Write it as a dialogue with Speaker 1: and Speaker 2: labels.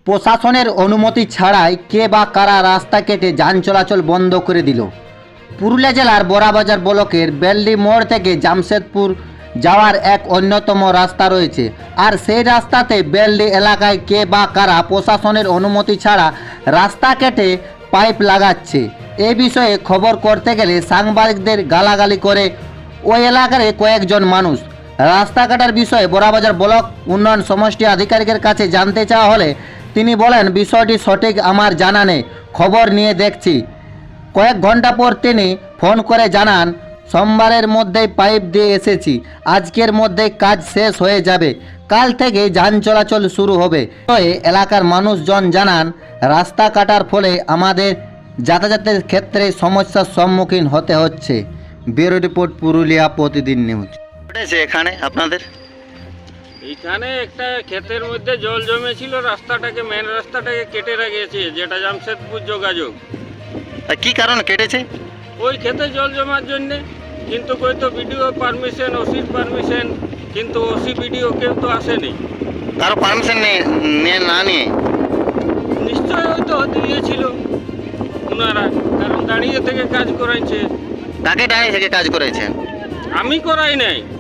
Speaker 1: প্রশাসনের অনুমতি ছাড়াই কে বা কারা রাস্তা কেটে যান চলাচল বন্ধ করে দিল। পুরুলিয়া জেলার বড়াবাজার ব্লকের বেলডি মোড় থেকে জামশেদপুর যাওয়ার এক অন্যতম রাস্তা রয়েছে, আর সেই রাস্তাতে বেলডি এলাকায় কে বা কারা প্রশাসনের অনুমতি ছাড়া রাস্তা কেটে পাইপ লাগাচ্ছে। এই বিষয়ে খবর করতে গেলে সাংবাদিকদের গালাগালি করে ওই এলাকার কয়েকজন মানুষ। রাস্তা কাটার বিষয়ে বড়াবাজার ব্লক উন্নয়ন সমষ্টি আধিকারিকের কাছে জানতে চাওয়া হলে তিনি বলেন, বিষয়টি সঠিক আমার জানা নেই, খবর নিয়ে দেখছি। কয়েক ঘন্টা পর তিনি ফোন করে জানান, সোমবারের মধ্যেই পাইপ দিয়ে এসেছি, আজকের মধ্যেই কাজ শেষ হয়ে যাবে, কাল থেকে যান চলাচল শুরু হবে। এলাকার মানুষজন জানান, রাস্তা কাটার ফলে আমাদের যাতায়াতের ক্ষেত্রে সমস্যার সম্মুখীন হতে হচ্ছে। ব্যুরো রিপোর্ট, পুরুলিয়া প্রতিদিন নিউজ। এখানে আপনাদের
Speaker 2: এইখানে একটা ক্ষেতের মধ্যে জল জমেছিল, রাস্তাটাকে মেন রাস্তাটাকে কেটে রেখেছে, যেটা জামশেদপুর যোগাযোগ।
Speaker 1: কি কারণে কেটেছে?
Speaker 2: ওই ক্ষেতে জল জমার জন্যে, কিন্তু কই তো বিডিও পারমিশন, ওসির পারমিশন, কিন্তু ওসি বিডিও কেউ তো আসেনি।
Speaker 1: কারো পারমিশন না নিয়ে
Speaker 2: নিশ্চয়ই হয়তো দিয়েছিল ওনারা, কারণ দাঁড়িয়ে থেকে কাজ করাইছে।
Speaker 1: কাকে দাঁড়িয়ে থেকে কাজ করেছেন?
Speaker 2: আমি করাই নাই,